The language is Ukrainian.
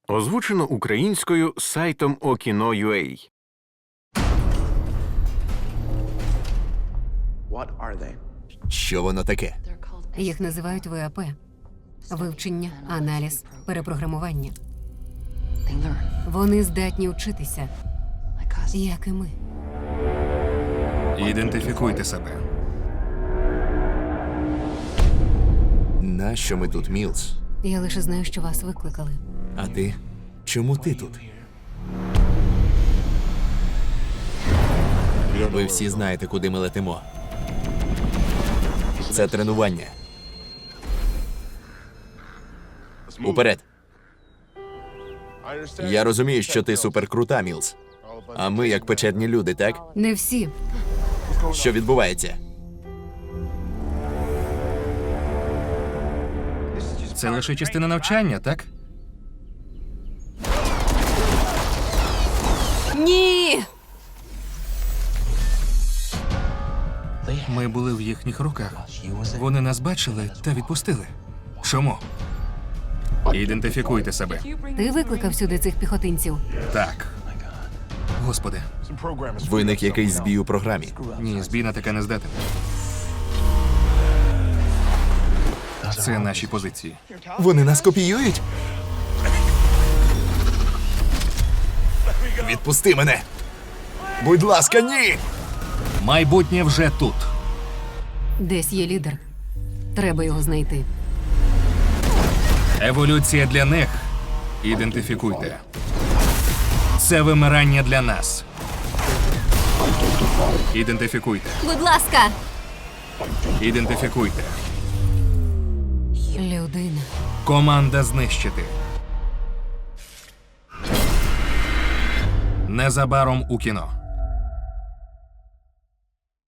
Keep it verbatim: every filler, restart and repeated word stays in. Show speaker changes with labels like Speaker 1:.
Speaker 1: Озвучено українською сайтом Okino.ua.
Speaker 2: Що воно таке?
Speaker 3: Їх називають В А П – вивчення, аналіз, перепрограмування. Вони здатні вчитися, як і ми.
Speaker 4: Ідентифікуйте себе.
Speaker 2: Нащо ми тут, Мілс?
Speaker 3: Я лише знаю, що вас викликали.
Speaker 2: А ти? Чому ти тут? Ви всі знаєте, куди ми летимо. Це тренування. Уперед. Я розумію, що ти суперкрута, Мілс. А ми як печерні люди, так?
Speaker 3: Не всі.
Speaker 2: Що відбувається?
Speaker 4: Це лише частина навчання, так?
Speaker 3: Ні!
Speaker 4: Ми були в їхніх руках. Вони нас бачили та відпустили. Чому? Ідентифікуйте себе.
Speaker 3: Ти викликав сюди цих піхотинців?
Speaker 4: Так. Господи.
Speaker 2: Виник якийсь збій у програмі.
Speaker 4: Ні, збій на таке не здатен. Це наші позиції.
Speaker 2: Вони нас копіюють? Відпусти мене! Будь ласка, ні!
Speaker 4: Майбутнє вже тут.
Speaker 3: Десь є лідер. Треба його знайти.
Speaker 4: Еволюція для них. Ідентифікуйте. Це вимирання для нас. Ідентифікуйте.
Speaker 3: Будь ласка!
Speaker 4: Ідентифікуйте.
Speaker 3: Людина.
Speaker 4: Команда знищити. Незабаром у кіно.